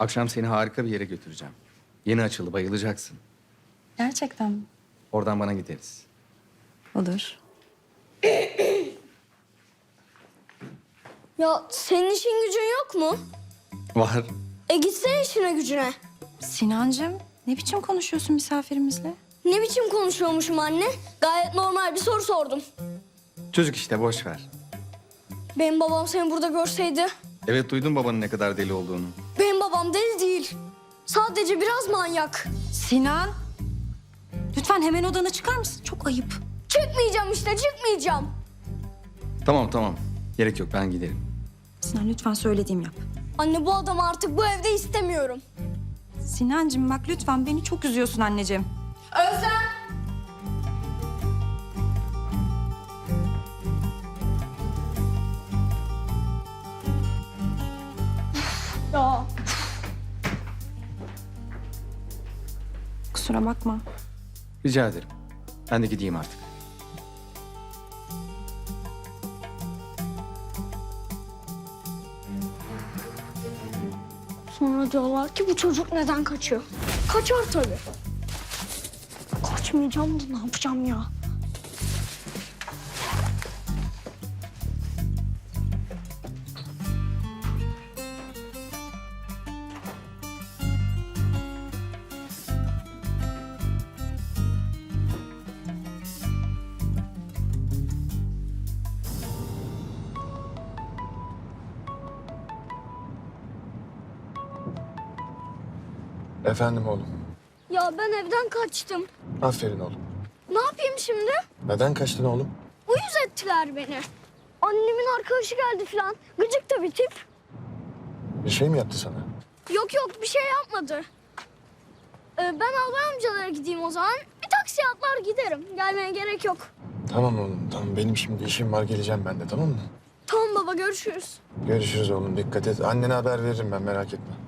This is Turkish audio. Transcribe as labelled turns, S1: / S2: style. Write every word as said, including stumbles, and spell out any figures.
S1: Akşam seni harika bir yere götüreceğim. Yeni açıldı, bayılacaksın.
S2: Gerçekten mi?
S1: Oradan bana gideriz.
S2: Olur.
S3: Ya senin işin gücün yok mu?
S1: Var.
S3: E gitsene işine gücüne.
S2: Sinancığım, ne biçim konuşuyorsun misafirimizle?
S3: Ne biçim konuşuyormuşum anne? Gayet normal bir soru sordum.
S1: Çocuk işte, boş ver.
S3: Benim babam seni burada görseydi.
S1: Evet, duydum babanın ne kadar deli olduğunu.
S3: Benim babam deli değil. Sadece biraz manyak.
S2: Sinan! Lütfen hemen odana çıkar mısın? Çok ayıp.
S3: Çıkmayacağım işte, çıkmayacağım.
S1: Tamam tamam. Gerek yok, ben giderim.
S2: Sinan lütfen söylediğimi yap.
S3: Anne bu adamı artık bu evde istemiyorum.
S2: Sinancığım bak lütfen beni çok üzüyorsun anneciğim.
S3: Özlem! Ya
S2: Kusura bakma.
S1: Rica ederim. Ben de gideyim artık.
S3: sonra diyorlar ki bu çocuk neden kaçıyor? Kaçar tabii. Kaçmayacağım da ne yapacağım ya?
S4: Efendim oğlum.
S3: Ya ben evden kaçtım.
S4: Aferin oğlum.
S3: Ne yapayım şimdi?
S4: Neden kaçtın oğlum?
S3: Uyuz ettiler beni. Annemin arkadaşı geldi falan. Gıcık da bir tip.
S4: Bir şey mi yaptı sana?
S3: Yok yok bir şey yapmadı. Ee, ben Albay amcalara gideyim o zaman. Bir taksiye atlar giderim. Gelmeye gerek yok.
S4: Tamam oğlum tamam. Benim şimdi işim var, geleceğim ben de, tamam mı?
S3: Tamam baba görüşürüz.
S4: Görüşürüz oğlum, dikkat et. Annene haber veririm ben, merak etme.